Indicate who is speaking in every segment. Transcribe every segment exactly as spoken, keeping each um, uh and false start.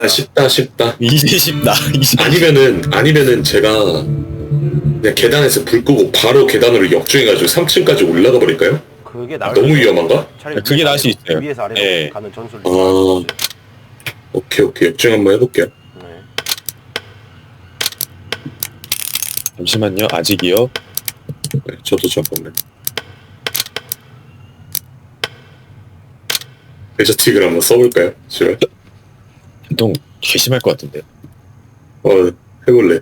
Speaker 1: 아, 쉽다 쉽다.
Speaker 2: 이제 쉽다. 이제
Speaker 1: 아니면은 아니면은 제가 그냥 계단에서 불 끄고 바로 계단으로 역주행해가지고 삼 층까지 올라가 버릴까요?
Speaker 3: 그게
Speaker 1: 아,
Speaker 3: 나을
Speaker 1: 너무
Speaker 3: 수도 있어요.
Speaker 1: 위험한가?
Speaker 3: 차라리
Speaker 2: 그게
Speaker 3: 위에서
Speaker 2: 나을 수
Speaker 3: 아래로,
Speaker 2: 있어요.
Speaker 3: 위에서 아래로
Speaker 2: 예.
Speaker 3: 가는 전술이
Speaker 1: 아.
Speaker 3: 나을 수 있어요.
Speaker 1: 오케이 오케이 역주행 한번 해볼게요.
Speaker 3: 네.
Speaker 2: 잠시만요. 아직이요.
Speaker 1: 네, 저도 잠깐만. 데저틱을 한번 써볼까요? 싫어요?
Speaker 2: 좀 괘씸할 것 같은데.
Speaker 1: 어 해볼래.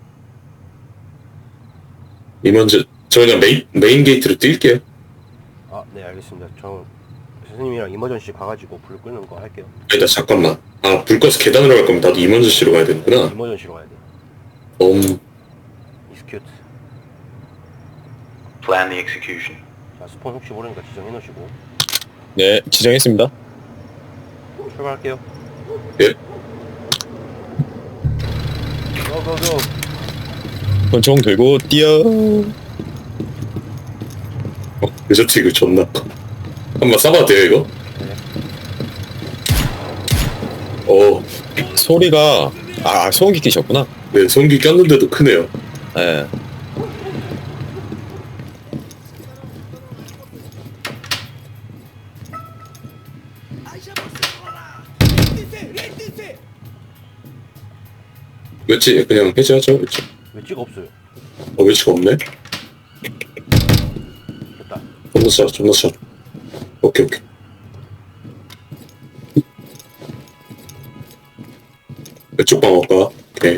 Speaker 1: 이먼저 저 그냥 메인 메인 게이트로 뛸게요.
Speaker 3: 아, 네, 알겠습니다. 저 선생님이랑 이머전시 가가지고 불 끄는 거 할게요.
Speaker 1: 아니다 잠깐만. 아 불 꺼서 계단으로 갈 거면 나도 이먼저 씨로 가야 되는구나.
Speaker 3: 이머전시로 가야 돼요.
Speaker 1: 음
Speaker 3: 이스큐트.
Speaker 4: Plan the execution.
Speaker 3: 자, 스폰 혹시 모르니까 지정해 놓으시고
Speaker 2: 네, 지정했습니다.
Speaker 3: 출발할게요.
Speaker 1: 예.
Speaker 3: 고고고.
Speaker 2: 권총 들고 뛰어.
Speaker 1: 어, 데저틱 이거 존나. 한번 쏴봐도 돼요 이거?
Speaker 3: 네.
Speaker 1: 어,
Speaker 2: 소리가 아 소음기 끼셨구나.
Speaker 1: 네 손기 꼈는데도 크네요.
Speaker 2: 예.
Speaker 1: 외치 그냥 해제하죠 외치.
Speaker 3: 외치가 없어요.
Speaker 1: 어 외치가 없네.
Speaker 3: 됐다.
Speaker 1: 존나 쏴 존나 쏴. 오케이 오케이. 왼쪽 방 올까? 오케이.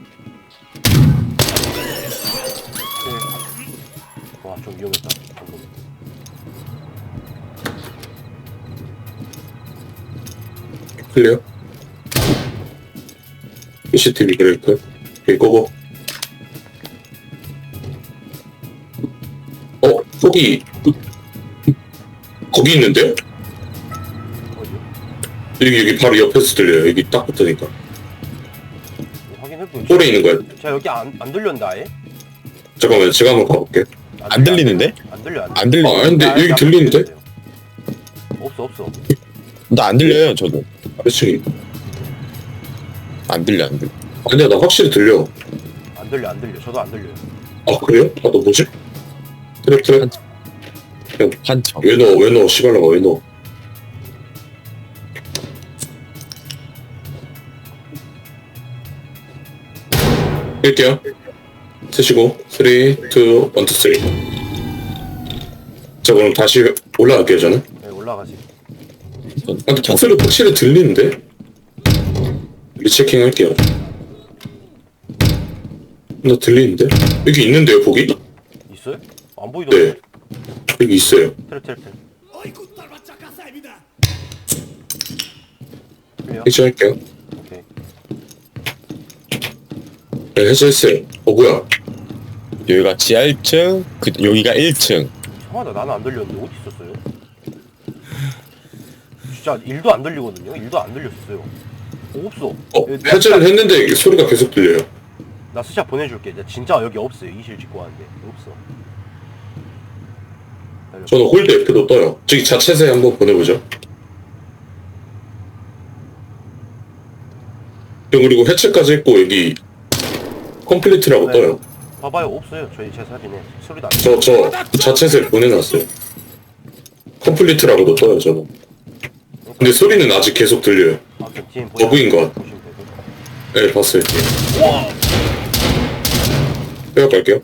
Speaker 3: 와, 좀 위험했다. 방금.
Speaker 1: 클리어. 씨씨티비 브레이크. 오케이 고고. 어 거기 거기 있는데요?
Speaker 3: 어디요?
Speaker 1: 여기 여기 바로 옆에서 들려요. 여기 딱 붙으니까.
Speaker 3: 확인해보요.
Speaker 1: 홀에 있는 거야.
Speaker 3: 자, 여기 안, 안 들렸는데 아예?
Speaker 1: 잠깐만 제가 한번 가볼게.
Speaker 2: 안
Speaker 3: 들려,
Speaker 2: 들리는데?
Speaker 3: 안 들려, 안 들려.
Speaker 2: 안 들리.
Speaker 1: 아 근데
Speaker 3: 아,
Speaker 1: 여기
Speaker 3: 아,
Speaker 1: 들리는데?
Speaker 3: 없어, 없어.
Speaker 2: 나 안 들려요. 저도
Speaker 1: 아래층이.
Speaker 2: 안 들려 안 들려.
Speaker 1: 아니야 나 확실히 들려.
Speaker 3: 안 들려, 안 들려. 저도 안 들려요.
Speaker 1: 아 그래요? 아 너 뭐지? 트랩 트랩.
Speaker 2: 한참.
Speaker 1: 왜 넣어 왜 넣어 시발라가 왜 넣어. 뺄게요. 세시고 삼, 이, 일, 투, 삼. 자 그럼 다시 올라갈게요 저는.
Speaker 3: 네, 올라가지.
Speaker 1: 아, 근데 목소리 확실히 들리는데? 리체킹 할게요. 나 들리는데? 여기 있는데요 거기?
Speaker 3: 있어요? 안 보이던데?
Speaker 1: 네 여기 있어요.
Speaker 3: 트랩, 트랩, 트랩. 클리어?
Speaker 1: 해제할게요.
Speaker 3: 오케이.
Speaker 1: 네 해제했어요. 어 뭐야
Speaker 2: 여기가 지하 일 층, 그 여기가 일 층.
Speaker 3: 이상하다. 나는 안 들렸는데 어디 있었어요? 진짜 일도 안 들리거든요? 일도 안 들렸어요. 어, 없어.
Speaker 1: 어
Speaker 3: 여기 나
Speaker 1: 해제를
Speaker 3: 스샷-
Speaker 1: 했는데 소리가 계속 들려요.
Speaker 3: 나 스샷 보내줄게. 나 진짜 여기 없어요. 이실 짓고 왔는데 없어. 기다려.
Speaker 1: 저는 홀드 F도 떠요. 저기 자체세 한번 보내보죠. 그리고 해체까지 했고 여기 컴플리트라고
Speaker 3: 네.
Speaker 1: 떠요.
Speaker 3: 봐봐요. 없어요. 저희 제 사진에 소리도 안
Speaker 1: 저 저 자체세 보내놨어요. 컴플리트라고도 떠요 저는. 근데 소리는 아직 계속 들려요.
Speaker 3: 아, 그 뒤엔
Speaker 1: 버그인 것 같아.
Speaker 3: 보시면 되고.
Speaker 1: 네 봤어요. 빼앗갈게요.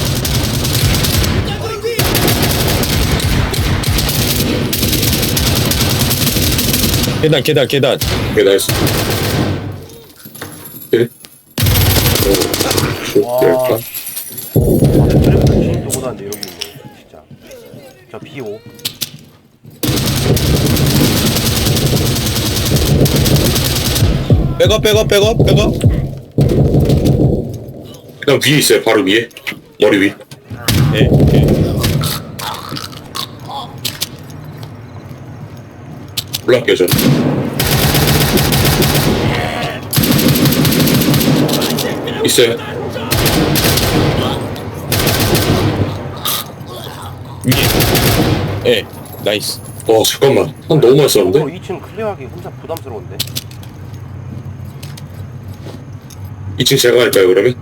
Speaker 2: 계단 계단 계단.
Speaker 1: 네 나이스. 네. 오,
Speaker 3: 와,
Speaker 1: 될까?
Speaker 3: 아, 트래프트 진입도 못하는데 여기 있네. 진짜. 저 피 오.
Speaker 2: 백업 백업 백업 백업.
Speaker 1: 그냥 위에 있어요. 바로 위에. 머리 위.
Speaker 2: 예. 예.
Speaker 1: 올라갈게요 저는. 있어요.
Speaker 2: 위에. 예. 나이스.
Speaker 1: 와 잠깐만 한 너무 많이 썼는데?
Speaker 3: 이 층 클리어하기 혼자 부담스러운데?
Speaker 1: 이 층 제가 갈까요 그러면?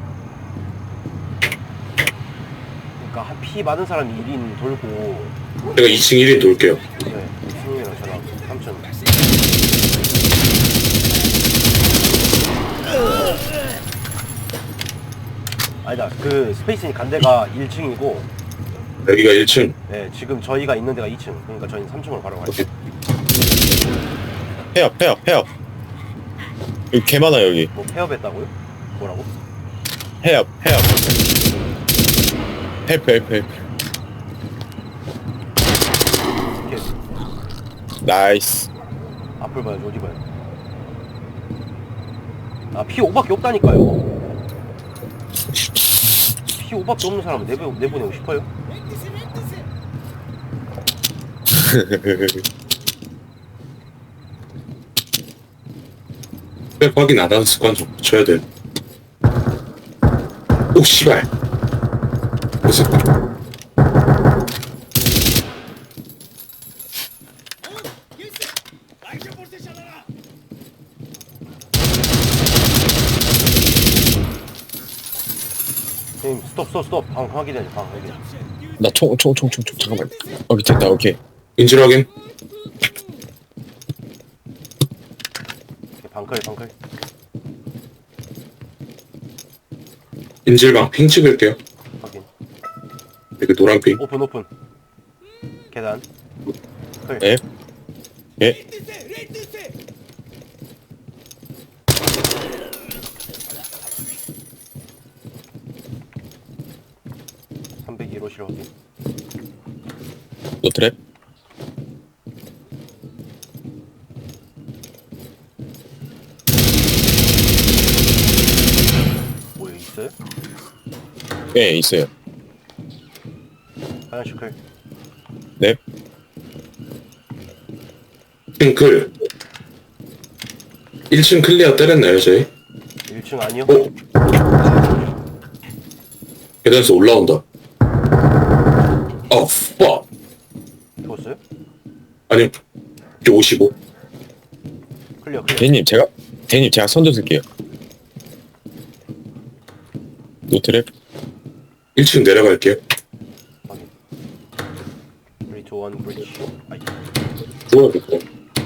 Speaker 3: 그러니까 한 피 많은 사람이 일 인 돌고
Speaker 1: 제가 이 층 일 인 돌게요.
Speaker 3: 네, 승우이랑 저랑 삼 층. 아니다, 그 스페이스니 간 데가 일 층이고
Speaker 1: 여기가 일 층.
Speaker 3: 네, 지금 저희가 있는 데가 이 층. 그러니까 저희는 삼 층으로 바로 갈게요.
Speaker 2: 폐업 폐업 폐업. 여기 개 많아 여기.
Speaker 3: 뭐 폐업했다고요? 뭐라고?
Speaker 2: 폐업 폐업. 폐업 폐업 폐업.
Speaker 3: 이렇게
Speaker 2: 나이스.
Speaker 3: 앞을 봐야지, 어디 봐요? 아, 피 오밖에 없다니까요. 피 오밖에 없는 사람은 내보, 내보내고 싶어요?
Speaker 1: 백 확인 안 하는 습관 좀 고쳐야 돼. 오 씨발. 그래서
Speaker 3: 형님, 스톱, 스톱, 스톱. 방 확인해야지, 방 확인.
Speaker 2: 나 총 총 총 총 총 잠깐만. 오케이 됐다 오케이.
Speaker 1: 인질 확인.
Speaker 3: 오케이, 방클, 방클.
Speaker 1: 인질방 핑 찍을게요.
Speaker 3: 확인.
Speaker 1: 이거 노란 핑.
Speaker 3: 오픈, 오픈. 계단. 클.
Speaker 2: 예? 예?
Speaker 3: 삼백일 호실 확인.
Speaker 2: 너 트랩?
Speaker 3: 뭐 여기 있어요?
Speaker 2: 예 있어요.
Speaker 3: 화장실 클.
Speaker 2: 네.
Speaker 1: 핑클. 일 층 클리어 때렸나요 저희?
Speaker 3: 일 층 아니요?
Speaker 1: 어? 계단에서 올라온다. 아, 빠.
Speaker 3: 죽었어요?
Speaker 1: 아니, 오십오.
Speaker 3: 클리어, 클리어.
Speaker 2: 대님 제가 대님 제가 선두 쓸게요. 너 트랩?
Speaker 1: 일 층 내려갈게요.
Speaker 3: 확인. 삼, 이, 일, 브릿지. 아이.
Speaker 1: 좋아야겠다.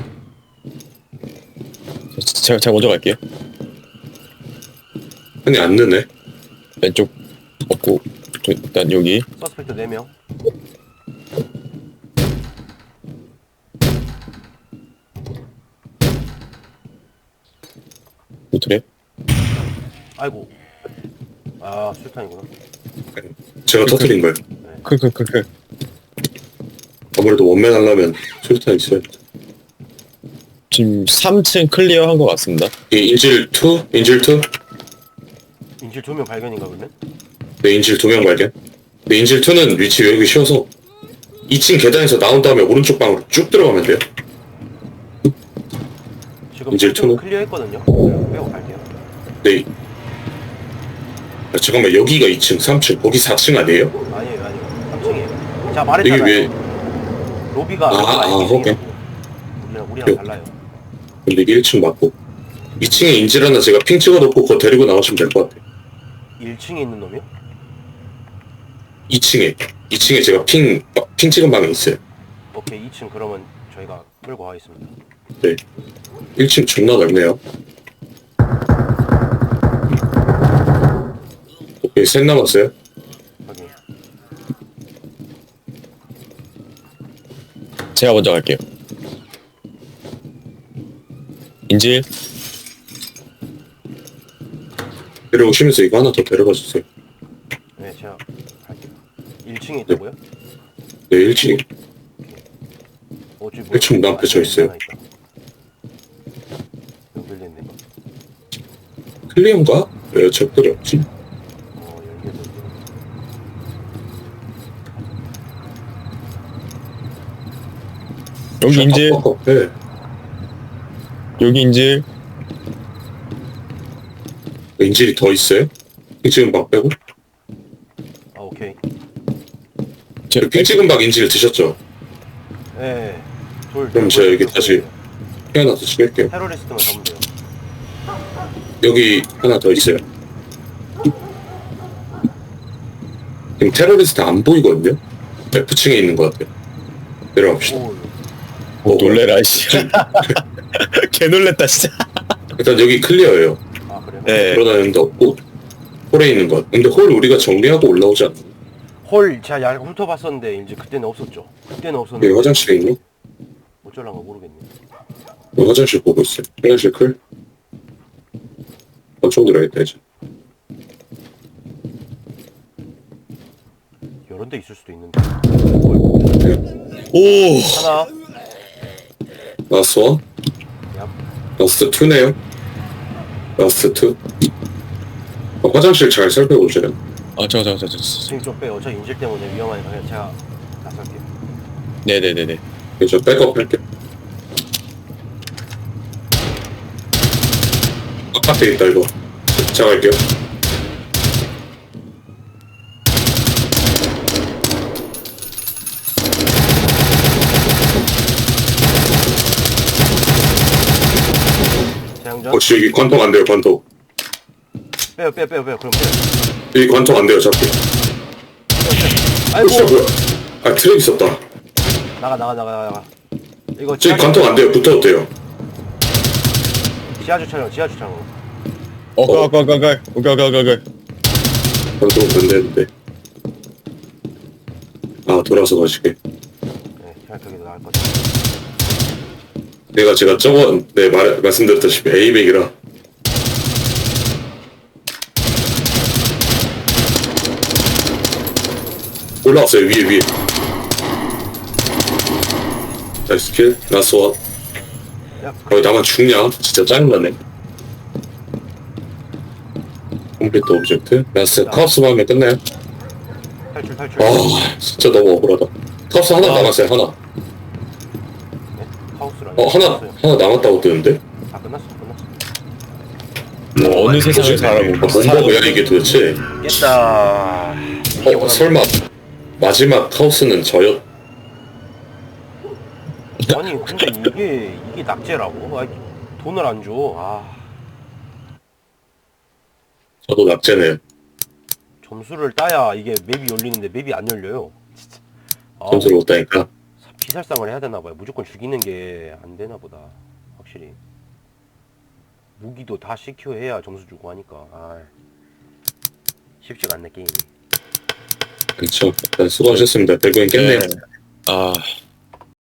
Speaker 2: 제가 제가 먼저 갈게요.
Speaker 1: 아니, 안 느네.
Speaker 2: 왼쪽 없고 저 일단 여기
Speaker 3: 서스펙트 네 명.
Speaker 2: 너 트랩?
Speaker 3: 아이고. 아, 술탄이구나.
Speaker 1: 제가 터뜨린 거예요.
Speaker 2: 크크크크.
Speaker 1: 아무래도 원맨 하려면 술탄 있어야 돼.
Speaker 2: 지금 삼 층 클리어 한 것 같습니다.
Speaker 1: 이 인질 이? 인질 이?
Speaker 3: 인질 두 명 발견인가 그러면?
Speaker 1: 네, 인질 두 명 발견. 네, 인질 이는 위치 외우기 쉬워서 이 층 계단에서 나온 다음에 오른쪽 방으로 쭉 들어가면 돼요.
Speaker 3: 지금
Speaker 1: 인질
Speaker 3: 좀
Speaker 1: 투는?
Speaker 3: 클리어 했거든요. 빼고 갈게요.
Speaker 1: 네. 아, 잠깐만, 여기가 이 층, 삼 층, 거기 사 층 아니에요?
Speaker 3: 아니에요, 아니에요. 삼 층이에요. 제가 말했잖아요.
Speaker 1: 여기 왜,
Speaker 3: 로비가
Speaker 1: 아, 아,
Speaker 3: 로비가
Speaker 1: 오케이.
Speaker 3: 우리랑 우리랑
Speaker 1: 요.
Speaker 3: 달라요.
Speaker 1: 근데 이게 일 층 맞고. 이 층에 인질 하나 제가 핑 찍어놓고 그거 데리고 나가시면 될 것 같아요.
Speaker 3: 일 층에 있는 놈이요?
Speaker 1: 이 층에. 이 층에 제가 핑, 핑 찍은 방에 있어요.
Speaker 3: 오케이, 이 층 그러면 저희가 끌고 가겠습니다.
Speaker 1: 네. 일 층 존나 넓네요. 오케이, 셋 남았어요.
Speaker 3: 확인.
Speaker 2: 제가 먼저 갈게요. 인질
Speaker 1: 데려오시면서 이거 하나 더 데려가 주세요.
Speaker 3: 네, 제가 갈게요. 일 층에 있다고요?
Speaker 1: 네, 일 층에.
Speaker 3: 어, 저기
Speaker 1: 일 층 문 앞에 저 있어요.
Speaker 3: 연결됐네.
Speaker 1: 클리언가? 왜 적들이 없지?
Speaker 3: 어, 연결됐네.
Speaker 2: 여기 인질
Speaker 1: 아, 아, 아, 네.
Speaker 2: 여기 인질
Speaker 1: 인질이 더 있어요? 핑 찍은 방 빼고?
Speaker 3: 아, 오케이.
Speaker 2: 제
Speaker 1: 핑 찍은 방 인질 드셨죠?
Speaker 3: 네. 돌.
Speaker 1: 그럼
Speaker 3: 돌
Speaker 1: 제가 여기
Speaker 3: 돌
Speaker 1: 다시-
Speaker 3: 돌.
Speaker 1: 하나 더 찍을게요.
Speaker 3: 테러리스트만 잡으면 돼요.
Speaker 1: 여기 하나 더 있어요. 지금 테러리스트 안 보이거든요? F층에 있는 것 같아요. 내려갑시다.
Speaker 3: 오,
Speaker 2: 오, 놀래라 씨. 개 놀랬다 진짜.
Speaker 1: 일단 여기 클리어예요.
Speaker 3: 아 그래요?
Speaker 2: 네.
Speaker 1: 돌아다니는 데 없고 홀에 있는 것. 근데 홀 우리가 정리하고 올라오지 않나?
Speaker 3: 홀 제가 얇게 훑어봤었는데 이제 그때는 없었죠. 그때는 없었는데
Speaker 1: 여기 화장실에 있니?
Speaker 3: 어쩔란가 모르겠네.
Speaker 1: 여기 화장실 보고 있어요. 화장실 클? 엄청 들어야겠다 이제.
Speaker 3: 여러 데 있을 수도 있는데. 홀.
Speaker 2: 오.
Speaker 3: 하나.
Speaker 1: 라스트 원?
Speaker 3: 야,
Speaker 1: 라스트 투네요? 라스트 투? 어, 화장실 잘 살펴보세요.
Speaker 2: 아 잠깐 잠깐 잠깐.
Speaker 3: 지금 좀 빼요. 저 인질 때문에 위험하니까 그냥 제가 나설게요.
Speaker 2: 네네네네.
Speaker 1: 저 백업 할게. 바깥에 있다 이거. 제가 갈게요.
Speaker 3: 재장전.
Speaker 1: 어, 지 여기 관통 안 돼요, 관통.
Speaker 3: 빼요, 빼요, 빼요, 빼요. 그럼 빼요.
Speaker 1: 여기 관통 안 돼요, 잡기.
Speaker 3: 아이고.
Speaker 1: 어, 뭐야? 아, 트랙 있었다.
Speaker 3: 나가, 나가, 나가, 나가. 이거
Speaker 1: 저기
Speaker 3: 지하
Speaker 1: 관통 안 돼요, 붙어도 돼요.
Speaker 3: 지하 주차장, 지하 주차장.
Speaker 2: 어, 가, 가, 가, 가. 오케이, 오케이, 오케이, 오케이.
Speaker 1: 관통 된다는데. 아, 돌아서 가시게.
Speaker 3: 네, 생각하기도 나을 것 같아요.
Speaker 1: 내가 제가 저번, 네, 말, 말씀드렸다시피 A백이라. 올라왔어요, 위에, 위에. 나이스 킬, 나이스 원.
Speaker 3: 야,
Speaker 1: 거기 나만 죽냐? 진짜 짜증나네. 컴플리트 오브젝트. 라스트 카우스만 하면 끝나요?
Speaker 3: 탈출, 탈출.
Speaker 1: 아, 진짜 너무 억울하다. 카우스 하나
Speaker 2: 아.
Speaker 1: 남았어요, 하나.
Speaker 3: 네? 하우스라니.
Speaker 1: 어, 하나, 하나 남았다고 뜨는데?
Speaker 3: 아, 끝났어, 끝났어.
Speaker 2: 뭐 어느 세상을 살아고
Speaker 1: 아, 뭔가 뭐야, 이게 도대체.
Speaker 3: 깼다.
Speaker 1: 어, 설마, 마지막 카우스는 저였,
Speaker 3: 아니, 근데 이게, 이게 낙제라고? 아, 돈을 안 줘. 아,
Speaker 1: 저도 낙제네요.
Speaker 3: 점수를 따야 이게 맵이 열리는데 맵이 안 열려요. 진짜. 아,
Speaker 1: 점수를 못 따니까.
Speaker 3: 비살상을 해야 되나 봐요. 무조건 죽이는 게 안 되나 보다. 확실히. 무기도 다 시큐어 해야 점수 주고 하니까. 아, 쉽지가 않네, 게임이.
Speaker 1: 그렇죠. 일단 수고하셨습니다. 대구인 깼네요.
Speaker 2: 네. 아.